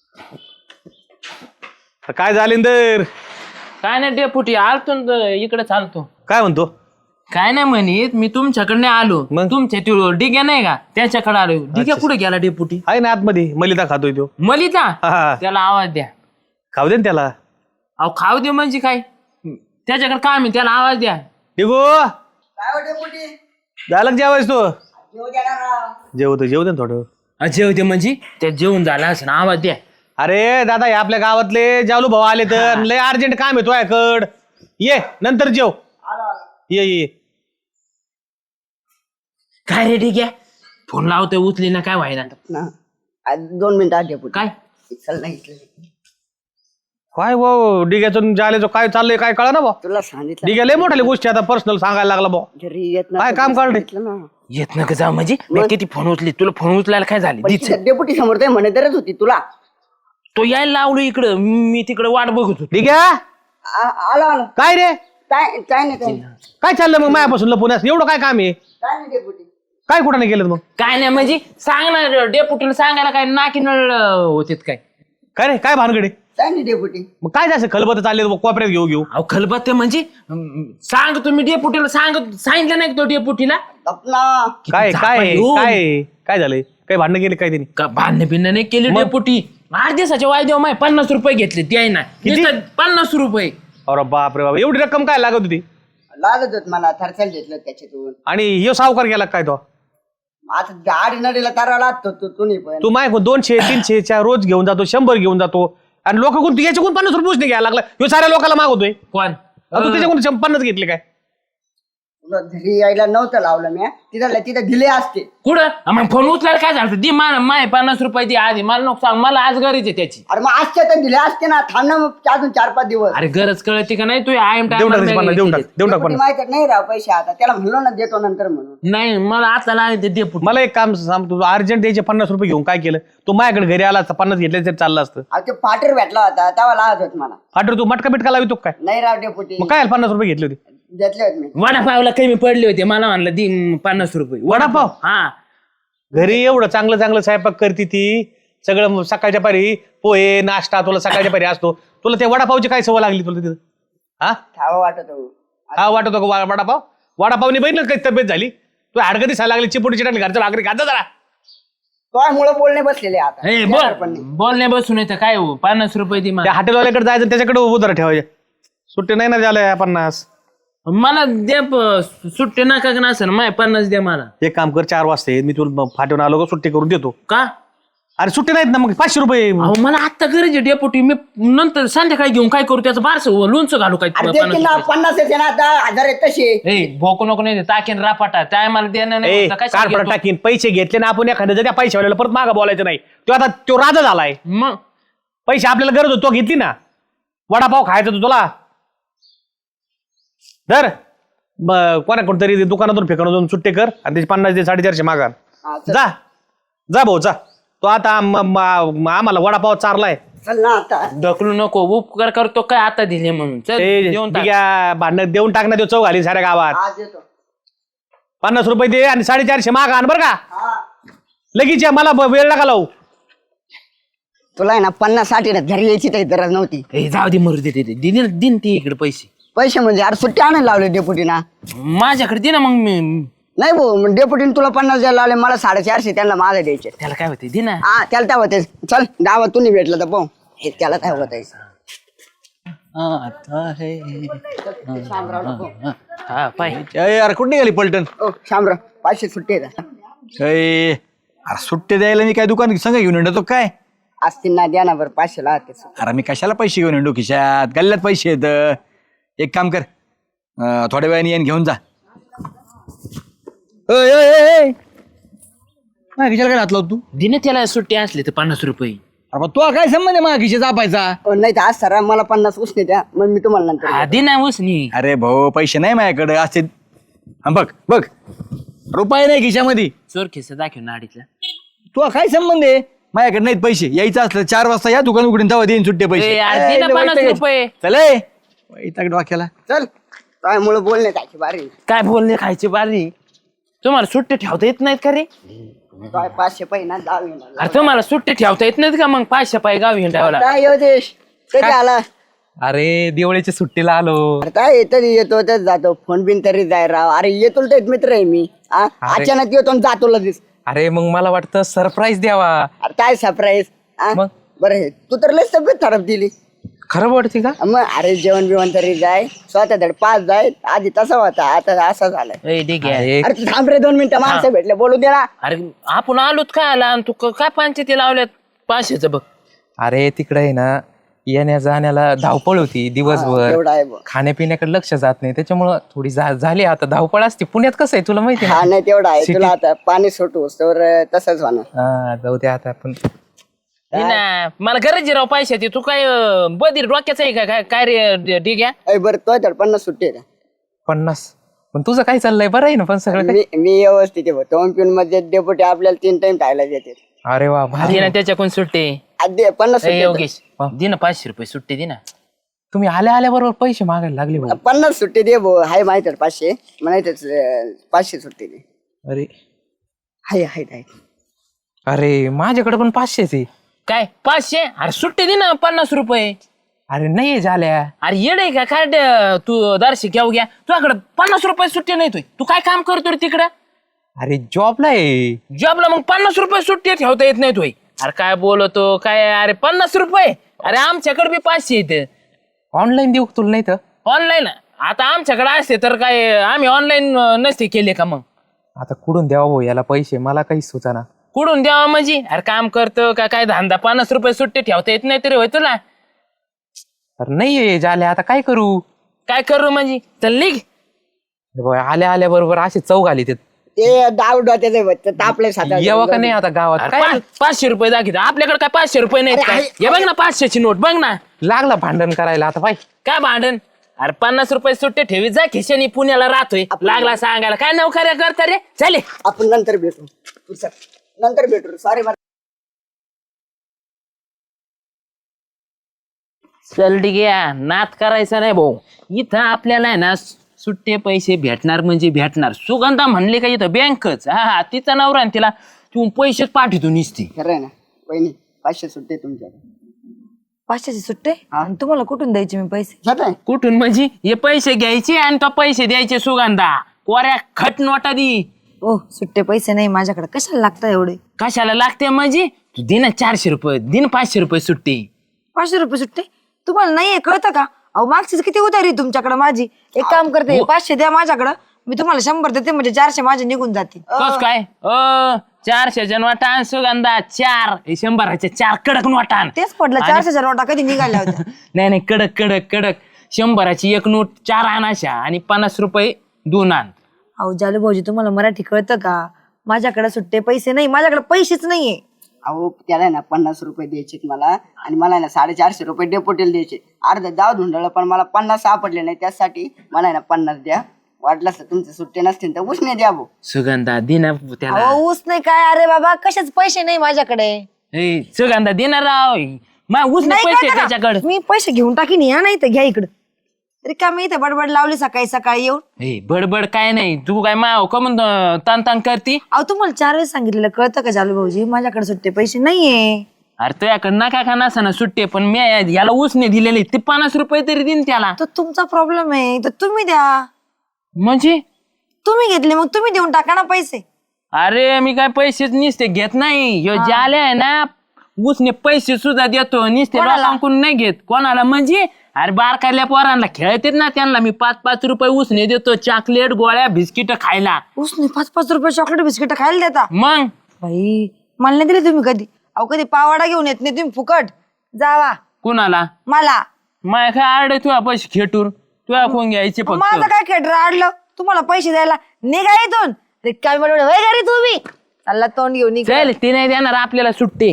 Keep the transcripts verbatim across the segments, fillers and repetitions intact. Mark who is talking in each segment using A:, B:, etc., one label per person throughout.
A: काय झालेंदर?
B: काय नाही डेपुटी आलतो न इकडे चालतो.
A: काय म्हणतो?
B: काय नाही म्हणित मी तुमच्याकडे आलो.
A: मग?
B: तुमच्या ती डिग्या नाही का त्याच्याकडे आलो. डिग्या कुठे गेला डेपुटी?
A: आहे ना आतमध्ये मलिदा खातोय तो.
B: मलिता
A: हा.
B: त्याला आवाज द्या.
A: खाऊ दे ना त्याला.
B: अहो खाऊ दे म्हणजे काय? त्याच्याकडे काम आहे त्याला आवाज द्या.
A: डिगो झालं जेवायच तो. जेवतो जेव दे ना थोडं.
B: जेवते म्हणजे त्या जेवण झाला असं ना आवाज द्या.
A: अरे दादा हे आपल्या गावातले जालू भाऊ आले तर लय अर्जंट काम आहे तुझ्याकड. ये नंतर जेव. ये ये
B: काय रे डिग्या फोन लावतोय उचली ना काय व्हायला
C: ना आज दोन मिनिटं आधी पुढे
B: काय
C: चल नाही इथलं.
A: काय भाऊ डिग्याचं जालेचं काय चाललंय काय कळा ना भाऊ.
C: तुला सांगितलं
A: डिग्या लय मोठ्या गोष्टी आता पर्सनल सांगायला लागला भाऊ.
C: घरी येत
A: काय काम काढले?
C: ना
B: येत ना का जा म्हणजे मी किती फोन उचली तुला फोन उचलायला काय झाले?
C: डेपुटी समोर ते म्हणे तरच होती तुला.
B: तो यायला लावलो इकडं मी तिकडे वाट बघत होतो.
A: डिग्या
C: आ- आला आला
A: काय रे
C: काय काय नाही काय नाही.
A: काय चाललं मग मायापासून लपून एवढं काय काम आहे?
C: काय नाही डेपुटी
A: काय कुठं नाही केलं मग?
B: काय नाही म्हणजे सांग ना डेपुटीला सांगायला काय नाकी नळ होते काय?
A: काय रे काय भानगडे?
C: काय नाही डेपुटी.
A: मग काय जायचं खलबत चालले कोपऱ्यात घेऊ घेऊ.
B: अहो खलबत्ते म्हणजे अं, सांग तुम्ही डेपुटीला सांग सांगितलं नाही का तो डेपुटीला?
C: अपना
A: काय
B: झापा
A: काय
B: येऊन.
A: काय काय झालंय? काय भांडणं गेले काय त्यांनी?
B: का भांडण बिन्न नाही केली डेपुटी. आठ दिवसाच्या वायदेव माय पन्नास रुपये घेतले ते आहे ना
A: किती?
B: नुसतं पन्नास रुपये.
A: अरे बाप रे बाप एवढी रक्कम काय लागत होती?
C: लागत होत मला थरचल घेतलं त्याच्यातून.
A: आणि ह्यो सावकार गेला काय तो?
C: आता गाडी नडीला तारा लागतो तू तुम्ही पण.
A: तू माय दोनशे तीनशे च्या रोज घेऊन जातो शंभर घेऊन जातो आणि लोक कोण याच्याकडून पन्नास रुपये नाही घ्यायला लागला. ह्यो साऱ्या लोकांना मागवतोय.
B: कोण
A: अहो, तू त्याच्याकडून शं- पन्नास घेतले काय?
C: तुला घरी यायला नव्हतं लावलं मी तिथं तिथं दिले असते.
B: कुठं मग फोन उचलायला काय झालं? दे मला माय पन्नास रुपये दे आधी मला नको सांग मला आज गरज आहे त्याची.
C: अरे मग आजच्या तर दिले असते ना थांब ना मग अजून चार पाच दिवस.
B: अरे गरज कळते का नाही तू आय एम
A: देऊन टाक त्याचे पन्नास देऊन टाक देऊन टाक
C: डेपुटी
A: पन्नास.
C: माहिती नाही राव पैसे आता त्याला म्हणलो ना देतो नंतर म्हणून.
B: नाही मला आता लागते डेपुटी.
A: मला एक काम सांग तू अर्जंट द्यायचे पन्नास रुपये घेऊन काय केलं? तू माझ्याकडे घरी आला असता पन्नास घेतले तरी चाललं असतं.
C: अहो ते पाटर भेटला होता तेव्हा लागत होत मला.
A: फाटर तू मटका बिटका लावितो काय?
C: नाही राव डेपुटी
A: मग काय पन्नास रुपये घेतले होते?
C: घेतले होते मी.
B: वडापावला कमी पडले होते मला म्हणलं दे पन्नास रुपये.
A: वडापाव?
B: हा
A: घरी एवढं चांगलं चांगलं स्वयंपाक करते ती सगळं सकाळच्या पारी पोहे नाश्ता तुला सकाळच्या पारी असतो. तुला त्या वडापावची काय सवय लागली तुला तिथं? हा
C: खावा वाटत हो.
A: हा वाटतो का वा- वडापाव? वडापावनी बहिण काही तब्येत झाली तू हाडकं दिसायला लागली चिपुटी चिटाकली घरच्या भाकरी खाता जरा.
C: तो मुळे बोलणे बसलेले आता
B: ए,
C: येणार पण
B: बोल
C: नाही.
B: बोलण्या बसून येतं काय हो पन्नास रुपये दे
A: त्या
B: मला.
A: हॉटेलवाल्याकडे जायचं त्याच्याकडे उधार ठेवायचे. सुट्टी नाही ना झालं पन्नास.
B: मला दे प- सुट्टी नका का नसेल माय पन्नास द्या मला.
A: एक काम कर चार वाजता ये, मी तुला फाटून आलो का सुट्टी करून देतो.
B: का
A: अरे सुट्टी नाहीत ना मग पाचशे रुपये.
B: अहो मला आता गरज आहे डेपुटी मी नंतर संध्याकाळी घेऊन काय करू त्याचं बारस लोणचं घालू काय
C: अरे
B: तुला
C: देते
B: पन्नास
C: ना
B: रुपये?
C: पन्नास येते ना आता हजार आहेत तसे.
B: ए भोको नको नाही ताकेन रापाटा त्या मला देणं नाही
A: ए
B: होतं, कशाला
A: कारपडा
B: घेतो?
A: टाकीन पैसे घेतले ना आपण एखाद्या त्या पैशावाल्याला परत मागं बोलायचं नाही. तो आता तो राजा झालाय.
B: मग
A: पैसे आपल्याला गरज होती तो घेतली ना. वडापाव खायचा तो तुला धर कोणाकडून तरी दुकानातून फेकून जाऊन सुट्टे कर आणि त्याचे पन्नास दे साडेचारशे मागा.
C: हा, चल.
A: जा जा भाऊ जा. तो आता आम- आम- आम्हाला वडापाव चारलाय.
C: चल ना आता
B: ढकलू नको उपकार करतो काय आता दिले म्हणून चल देऊन टाक.
A: भांडण देऊन टाक ना देऊ चौ घाली साऱ्या गावात.
C: आज येतो.
A: पन्नास रुपये दे आणि साडेचारशे मागा आण बरं का
C: हा
A: लगेच या, मला ब- वेळ नका लावू.
C: तुला आहे ना पन्नास साठी ना घरी यायची काही गरज नव्हती.
B: ए जाऊ दे मरू दे दे दे. दे दे- दिन ते इकडे पैसे
C: पैसे म्हणजे अरे सुट्टी आणायला लावले डेपुटीना.
B: माझ्याकडे दे ना मग मी
C: नाही भाऊ डेपुटीने तुला पन्नास द्यायला लावले मला साडेचारशे त्यांना माझे द्यायचे.
B: त्याला काय होते दे ना.
C: हा त्याला काय होते चल गावात तुम्ही भेटलं तर पाहू हे त्याला काय होत आहे.
B: हा पाय
D: यार कुठे निघाली पलटण?
C: ओ शामराव पाचशे सुट्टी आहेत.
D: अरे अरे सुट्टे द्यायला मी काय दुकान संघ घेऊन येतो काय?
C: असतील ना द्या ना बरं पाचशे ला ते.
D: अरे मी कशाला पैसे घेऊन येतो खिशात? गल्ल्यात पैसे येत. एक काम कर अं, थोड्या वेळाने येईन घेऊन जा. ओय, ओय, ओय, ओय. माझ्या खिशाला काय घातला तू?
B: दे ना त्याला सुट्टी असली तर पन्नास रुपये.
D: अरे मग तुला काय संबंध आहे माझ्या खिशा जापायचा?
C: ओ, नाही तर आज सर मला पन्नास उसने द्या मग मी तुम्हाला नंतर
B: हा दे ना उसनी.
D: अरे भाऊ पैसे नाही माझ्याकडे असे. हा बघ बघ रुपये नाही खिशामध्ये.
B: चोर खिसा दाखव ना अडीचला.
D: तुला काय संबंध आहे? माझ्याकडे नाहीत पैसे. यायचं असलं चार वाजता या दुकान उघडून तेव्हा देईन सुट्टे पैसे.
B: ए, यार, दे ना
D: ए,
B: पन्नास
D: वैताग-
B: रुपये.
D: चले वैताग डोक्याला.
C: चल काय मुळे बोलणे त्याची बारी.
B: काय बोलले खायची बारी तुम्हाला सुट्टी ठेवता येत नाहीत का रे?
C: काय पाचशे पाहिजे ना दहावी
B: अरे तुम्हाला सुट्टी ठेवता येत नाही का मग पाचशे पाय गावी हिंडावला
C: काय योगेश कधी आला
A: अरे दिवाळीच्या सुट्टीला आलो.
C: अरे काय तरी येतो तर जातो फोन बिन तरी जाय राव. अरे येतो तर मित्र आहे मी हा? अचानक येतो आणि जातो लगेच.
A: अरे मग मला वाटतं सरप्राईज द्यावा.
C: अरे काय सरप्राईज
A: मग?
C: बरं हे तू तर लस तब्येत खराब दिली
A: खरं वाटते का?
C: मग अरे जेवण बिवण तरी जाय स्वतः धड पाच जाय आधी तसा होता आता असा झालाय.
B: ए, ठीक आहे.
A: अरे
C: अरे तू थांब रे दोन मिनिटं माणसं भेटले बोलू दे ना.
B: अरे आपण आलोत काय आला आणि तू क- काय पंचायती लावल्यात पाचशेच बघ.
A: अरे तिकडे आहे ना येण्या जाण्याला धावपळ होती दिवसभर.
C: एवढा आहे बुवा.
A: खाण्यापिण्याकडे लक्ष जात नाही त्याच्यामुळं थोडी जा- झाली आता धावपळ असते. पुण्यात कसं आहे तुला माहिती
C: हा
A: आहे
C: नाही तेवढा आहे तुला आता पाणी सुटू तर तसंच होणार.
A: ना? जाऊ दे आता आपण.
B: हे ना मला गरज आहे राव पैशाची. तू काय अं, बधीर डोक्याचं आहे का काय काय रे ठीक आहे.
C: अय बरं तो तर पन्नास सुट्टी आहे का?
A: पन्नास पण तुझं काय चाललंय बरं आहे ना पण सगळं काही?
C: मी मी व्यवस्थित आहे दोन पिऊन मध्ये डेपुटी आपल्याला तीन टाइम खायला देते.
A: अरे वा भारी.
B: दे ना त्याच्याकडून सुट्टी.
C: आधी पन्नास
B: ए,
C: सुट्टी
B: योगेश दे ना पाचशे रुपये सुट्टी दे ना.
A: तुम्ही आल्या आल्या बरोबर पैसे मागायला लागले भाऊ.
C: पन्नास सुट्टी दे भाऊ हाय माहित आहे पाचशे म्हणायच पाचशे सुट्टी दे.
A: अरे
C: हाय हाय हाय
A: अरे माझ्याकडे पण पाचशेच आहे.
B: काय पाचशे अरे सुट्टी दे ना पन्नास रुपये.
A: अरे नाही झाल्या.
B: अरे येडे का काय ड- तू दर्शी घेऊ घ्या तुझ्याकडे पन्नास रुपये सुट्टी नाही तुय. तू काय काम करतो रे तिकडं
A: अरे जॉबला आहे.
B: जॉबला मग पन्नास रुपये सुट्टी ठेवता येत नाही तुय. अरे काय बोलतो काय अरे पन्नास रुपये अरे आमच्याकडे बी पाचशे येते
A: ऑनलाईन देऊ का तुला नाही तर?
B: ऑनलाईन. आता आमच्याकडे असते तर काय आम्ही ऑनलाईन नसते केले का मग.
A: आता कुठून द्यावा भाऊ याला पैसे मला काही सुचाना.
B: कुठून द्यावा म्हणजे अरे काम करतो का काय धंदा पन्नास रुपये सुट्टी ठेवता येत नाही तरी होय तुला.
A: अरे नाही झाल्या आता काय करू?
B: काय करू म्हणजे चल निघ.
A: भाऊ, आल्या आल्या बरोबर असे चौक आली ते
C: ते डाव डोत्याचे तापले सात
A: यावं का नाही आता गावात
B: अरे
A: काय
B: पा- पाचशे रुपये दाखवतो आपल्याकडे काय पाचशे रुपये नाहीत काय. हे बघ ना पाचशेची नोट बघ ना.
A: लागला भांडण करायला आता पाय.
B: काय भांडण अरे पन्नास रुपये सुट्टे ठेवी जा खिशानी पुण्याला राहतोय लागला सांगायला काय नोकऱ्या करता रे चाले.
C: आपण नंतर भेटू तू सर नंतर भेटू सॉरी
B: चल ठीक आहे नात करायचा नाही भाऊ. इथं आपल्याला आहे ना सुट्टे पैसे भेटणार म्हणजे भेटणार. सुगंधा म्हणले का इथं बँकच हा हा तिचा नवरा आणि तिला तू पैसेच पाठवतो निसती.
C: खरं आहे ना वहिनी पाचशे सुट्टे तुमच्याकडे
E: पाचशेची सुट्टे आणि तुम्हाला कुठून द्यायचे मी पैसे?
C: जात आहे
B: कुठून म्हणजे हे पैसे घ्यायचे आणि तो पैसे द्यायचे सुगंधा कोऱ्या खट नोटा दी.
E: ओ सुट्टे पैसे नाही माझ्याकडे कशाला लागतात एवढे?
B: कशाला लागते म्हणजे तू दे ना चारशे रुपये दिन पाचशे रुपये सुट्टी.
E: पाचशे रुपये सुट्टे तुम्हाला नाहीये कळतं का? अहो मागचीच किती उतारी तुमच्याकडे माझी. एक काम करते पाचशे द्या माझ्याकडं मी तुम्हाला शंभर देते म्हणजे चारशे माझे निघून जातील.
B: कस काय अ चारशे जण वाटाण सुगंधा चार हे शंभराच्या चार कडक नोटान.
E: तेच पडलं चारशेच्या नोटा कधी निघाल्या होत्या.
B: नाही नाही कडक कडक कडक शंभराची एक नोट चार आणाशा आणि पन्नास रुपये दोन आण.
E: अहो जालू भाऊजी तुम्हाला मराठी कळतं का? माझ्याकडे सुट्टे पैसे नाही माझ्याकडे पैसेच नाहीये.
C: अहो त्याला आहे ना पन्नास रुपये द्यायचे मला आणि मला आहे ना साडेचारशे रुपये डेपोटेल द्यायचे. अर्धा दाव धुंडळ पण मला पन्नास सापडले नाही त्यासाठी मला आहे ना पन्नास द्या. वाटलं तर तुमचे सुट्टे नसतील तर उसने द्या भाऊ.
B: सुगंधा दिना त्याला.
E: अहो ऊस नाही काय अरे बाबा कशाच पैसे नाही माझ्याकडे.
B: ए, सुगंधा देणार राव मग उसने
E: नाही
B: पैसे
E: कळतं का?
B: त्याच्याकडे.
E: मी पैसे घेऊन टाकीन या नाही तर घ्या इकडं. रिकामी इथे बडबड लावली सकाळी सकाळी येऊन.
B: ए बडबड काय नाही तू काय माव का म्हणतो तान तान करती.
E: अहो तुम्हाला चार वेळेस सांगितलेलं कळतं का जालू भाऊजी माझ्याकडे सुट्टे पैसे नाहीये.
B: अरे तुझ्याकडे नका का नसा सुट्टे पण मी याला उसने दिलेले ते पन्नास रुपये तरी देईन त्याला.
E: तो तुमचा प्रॉब्लेम आहे तर तुम्ही द्या.
B: म्हणजे
E: तुम्ही घेतले मग तुम्ही देऊन टाका ना पैसे.
B: अरे मी काय पैसेच निसते घेत नाही. ह्यो जाले आहे ना उसने पैसे सुद्धा देतो निसते
E: कोणाला?
B: लोकांकडून नाही घेत. कोणाला म्हणजे अरे बारकाल्या पोरांना खेळतेत ना त्यांना मी पाच पाच रुपये उसने देतो चॉकलेट गोळ्या बिस्किट खायला.
E: उसने पाच पाच रुपये चॉकलेट बिस्किट खायला देता?
B: मग
E: बाई मला नाही दिले तुम्ही कधी. अहो कधी पावाडा घेऊन येत नाही तुम्ही फुकट जावा
B: कुणाला
E: मला.
B: माय काय आड तुझ्या पैसे खेटूर तुझ्या कोण घ्यायचे
E: माझं
B: फक्त.
E: काय खेटर अडलं तुम्हाला पैसे द्यायला निघा इथून. रिकामी बडबड वय घरी तुम्ही चालला तोंड घेऊन निघा.
B: चल ते नाही देणार आपल्याला सुट्टी.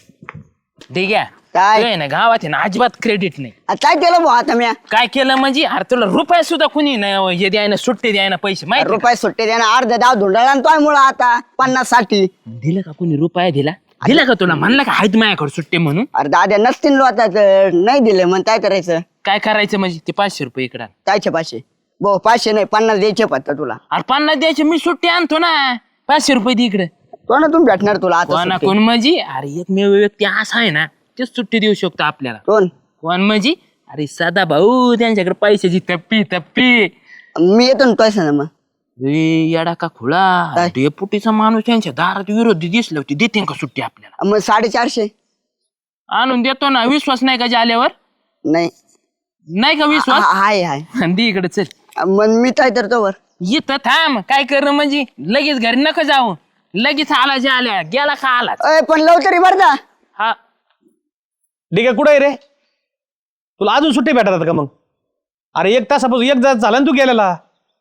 B: ठीक आहे
C: काय?
B: तुझ्या ना गावात आहे ना अजिबात क्रेडिट नाही.
C: आता काय केलं भाऊ आता मी
B: काय केलं म्हणजे अरे तुला रुपये सुद्धा कुणी नाही हे द्यायना सुट्टी द्यायना पैसे माहिती का?
C: रुपये सुट्टे द्या ना अर्धा दाव धुंडळ आणि तो मुळे आता पन्नास साठी.
B: दिलं का कोणी रुपया दिला दिला का तुला म्हणलं का हायत माझ्याकडे सुट्टी म्हणून.
C: अरे दाद्या नसतील लो आता तर नाही दिले मग काय करायचं.
B: काय करायचं म्हणजे ते पाचशे रुपये इकडं.
C: कायचे पाचशे भाऊ पाचशे नाही पन्नास द्यायचे फक्त तुला.
B: अरे पन्नास द्यायचे मी सुट्टी आणतो ना पाचशे रुपये दे इकडे.
C: कोणातून भेटणार तुला आता
B: कोणा
C: सुट्टी?
B: कोण म्हणजे अरे एकमेव व्यक्ती असा आहे ना तेच सुट्टी देऊ शकतो आपल्याला.
C: कोण?
B: कोण म्हणजे अरे सदा भाऊ त्यांच्याकडे पैशाची तप्पी तप्पी.
C: मी येतो ना पैसा ना मग.
B: ए, येडा का खुळा
C: काय?
B: डेपुटीचा माणूस त्यांच्या दारात विरोधी दिसले होती देते का सुट्टी आपल्याला?
C: मग साडेचारशे
B: आणून देतो ना. विश्वास नाही का आल्यावर?
C: नाही.
B: नाही का विश्वास?
C: हा- हाय हाय
B: दे इकडे चल.
C: मग मी काय तर तोवर
B: इथं थांब. काय करणं म्हणजे लगेच घरी नका जाऊ. लगेच आला जे आल्या गेला का आला.
C: अय, पण लवकर बर का.
B: हा
A: ठीक आहे कुठे आहे रे? तुला अजून सुट्टी भेटतात का मग? अरे एक तासापासून एक तास झाला ना तू गेलेला.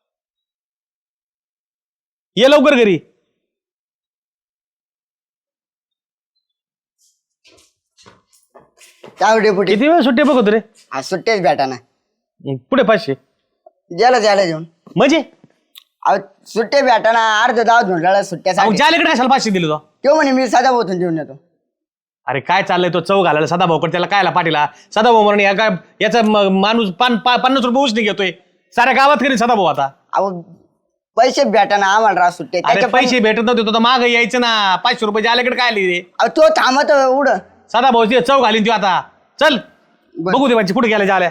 A: ये लवकर घरी.
C: काय डेपुटी?
A: किती वेळ सुट्टी बघतो रे?
C: हा सुट्टेच भेटा ना.
A: पुढे पाचशे
C: ज्याला ज्याला देऊन
A: म्हणजे
C: अहो सुट्टे भेटा ना. अर्ध दाव धुंडाळा सुट्ट्यासाठी.
A: ज्याकडे कशाला पाचशे दिले तो?
C: तो म्हणे मी सदा बोतून देऊन येतो.
A: अरे काय चाललंय तो चव घालायला सदाभाऊकडे त्याला कायला पाठीला? सदाभाऊ म्हणून या काय याचा म- माणूस पान पा- पन्नास रुपये उसने घेतोय साऱ्या गावात कधी सदाभाऊ आता.
C: अहो पैसे भेटा ना आम्हाला राव सुट्टे.
A: अरे
C: त्याच्या पण-
A: पैसे भेटत नव्हते तो तर माग यायचं ना. पाचशे रुपये ज्याकडे काय आले रे
C: अहो, तो थांबत उड.
A: सदाभाऊ ते चव घालीन तू आता. चल बघू दे म्हणजे कुठे गेल्या झाल्या.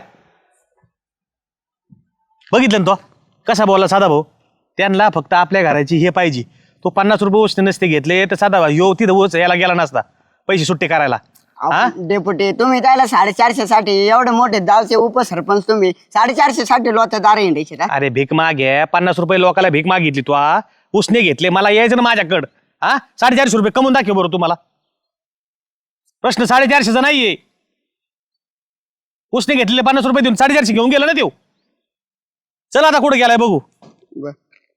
A: बघितलं ना तो कसा बोलला सदाभाऊ. त्यांना फक्त आपल्या घराची हे पाहिजे. तो पन्नास रुपये उसने नसते घेतले तर सदाभाऊ यो तिथं ओच याला गेला नसता पैसे सुट्टे करायला. हा
C: अहो, डेपुटी तुम्ही त्याला साडेचारशे साठी एवढे मोठे गावचे उपसरपंच तुम्ही साडेचारशे साठी लोक दार हिंडायचे का?
A: अरे भीक माग आहे. पन्नास रुपये लोकाला भीक मागितली तू हा. उसने घेतले मला यायचं ना माझ्याकडं. हा साडेचारशे रुपये कमवून दाखव बरं तुम्हाला. प्रश्न साडेचारशेचा नाहीये. उसने घेतलेले पन्नास रुपये देऊन साडेचारशे घेऊन गेला ना देऊ. चल आता कुठे गेलाय बघू.
C: बर.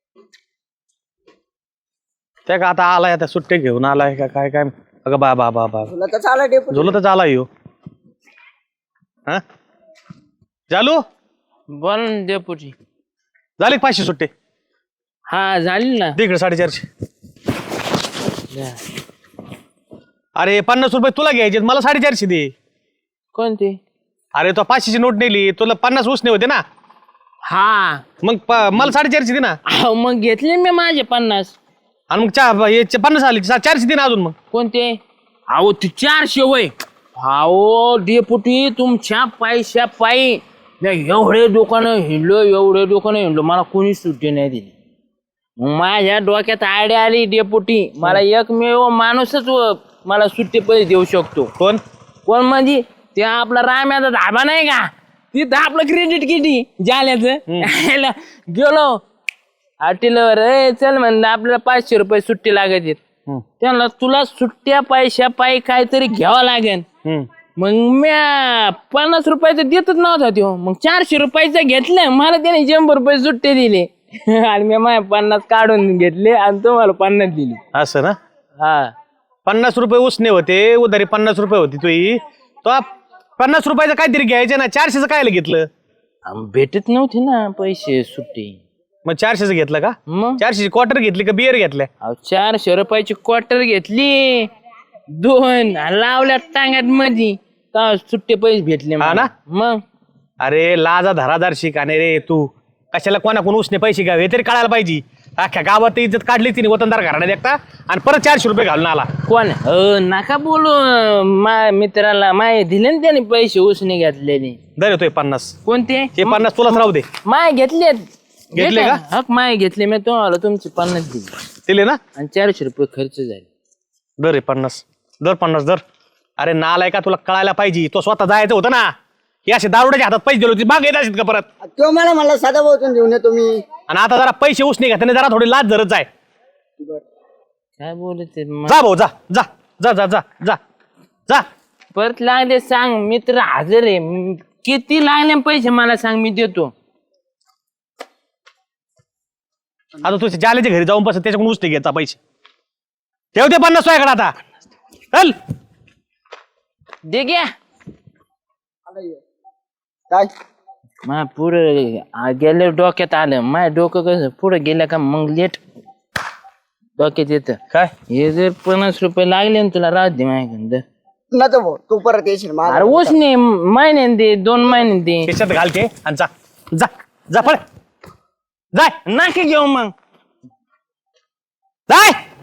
A: त्या का आता आलाय आता सुट्टे घेऊन आलाय का काय काय. अगं बा बा बा बा
C: तुला तर चाललं डेपुटी.
A: झोल तर आला यो. हा चालू
B: बोल ना डेपुटी.
A: झाले का पाचशे सुट्टे?
B: हा झाली ना.
A: दे इकडे साडेचारशे. अरे पन्नास रुपये तुला घ्यायचे मला साडेचारशे दे.
B: कोणते?
A: अरे तो पाचशेची नोट नेली तुला पन्नास उसने होते ना.
B: हा
A: मग प- मला साडेचारशे दे ना.
B: अहो, मग घेतले मी माझे पन्नास.
A: आणि मग चा- हे चे पन्नास आले चा- चारशे दे ना अजून मग.
B: कोणते? अहो ते चारशे वय. अहो डेपुटी तुमच्या पैशा पायी मी एवढे दुकानं हिंडलो एवढे दुकानं हिंडलो मला कोणी सुट्टी नाही दिली. मग माझ्या डोक्यात आयडिया आली डेपुटी मला एकमेव माणूसच व मला सुट्टी पैसे देऊ शकतो.
A: कोण?
B: कोण म्हणजे ते आपला राम्याचा धाबा नाही का तिथं आपलं क्रेडिट किती जाल्याचं गेलो हॉटेलवर ए चल म्हणलं आपल्याला पाचशे रुपये सुट्टी लागत आहेत. त्यांना तुला सुट्ट्या पैशा पायी काहीतरी घ्यावं लागेल. मग म्या पन्नास रुपयाचं देतच नव्हता तो. मग चारशे रुपयाचं घेतलं मला त्याने शंभर रुपये सुट्टे दिले आणि मी माझ्या पन्नास काढून घेतले आणि तुम्हाला पन्नास दिली.
A: असं ना.
B: हा
A: पन्नास रुपये उसने होते उधारी पन्नास रुपये होती तुही तो पन्नास रुपयाचं काहीतरी घ्यायचं ना. चारशेचं काय घेतलं?
B: आम- भेटत नव्हते ना पैसे सुट्टी.
A: मग चारशेचं घेतलं का?
B: मग
A: चारशेची क्वार्टर घेतली का बियर घेतल्या?
B: अहो, चारशे रुपयाची क्वार्टर घेतली दोन आणि लावल्या टांग्यात मध्ये तेव्हा सुट्टे पैसे भेटले
A: हा
B: मला.
A: ना?
B: मग
A: अरे लाजा धरादार शिकाने रे तू. कशाला कोणाकोण उसने पैसे घ्यावे हे तरी कळायला पाहिजे. अख्ख्या गावात इज्जत काढली तिने वतनदार घराण्यात एकटा आणि परत चारशे रुपये घालून आला.
B: कोण? अ, नका बोलू मा मित्राला माय दिले ना त्याने पैसे उसने घेतलेले.
A: दर येतोय पन्नास.
B: कोणते?
A: हे पन्नास तुलाच राहू दे.
B: माय घेतलेत.
A: घेतले का?
B: हक माय घेतले मी तुम्हाला तुमचे पन्नास दिले
A: दिले ना.
B: आणि चारशे रुपये खर्च झाले.
A: दर आहे पन्नास. दर पन्नास दर. अरे नालाय का तुला कळायला पाहिजे. तो स्वतः जायचं होतं ना. हे असे दारुड्याच्या हातात पैसे दिले होते माग येत असेल का परत.
C: तो मला म्हणला सदा बोतून देऊन येतो मी.
A: आणि आता जरा पैसे उसने घेताना जरा थोडी लाज धरत जाय.
B: काय बोलत
A: जा भाऊ जा जा जा जा जा जा जा.
B: परत लागले सांग मित्र हजर आहे. म, किती लागले पैसे मला सांग मी देतो.
A: आता तुझ्या जालेच्या घरी जाऊन बस त्याच्याकडून उसने घ्यायचा पैसे. ठेवते पन्नास तुझ्याकडे आता. चल
B: दे घ्या.
C: काय?
B: मा पुढं गेले डोक्यात आलं माझ्या डोकं कसं पुढं गेलं का मग लेट डोक्यात येतं.
A: काय
B: हे जर पन्नास रुपये लागले ना तुला राहत दे माझ्याकडं.
C: नको भाऊ तू परत येशील माझा.
B: अरे उसने महिन्याने दे दोन महिन्याने दे.
A: खिशात घालते आणि जा जा जा पळ जाय
B: नाके घेऊ मग.
A: जाय.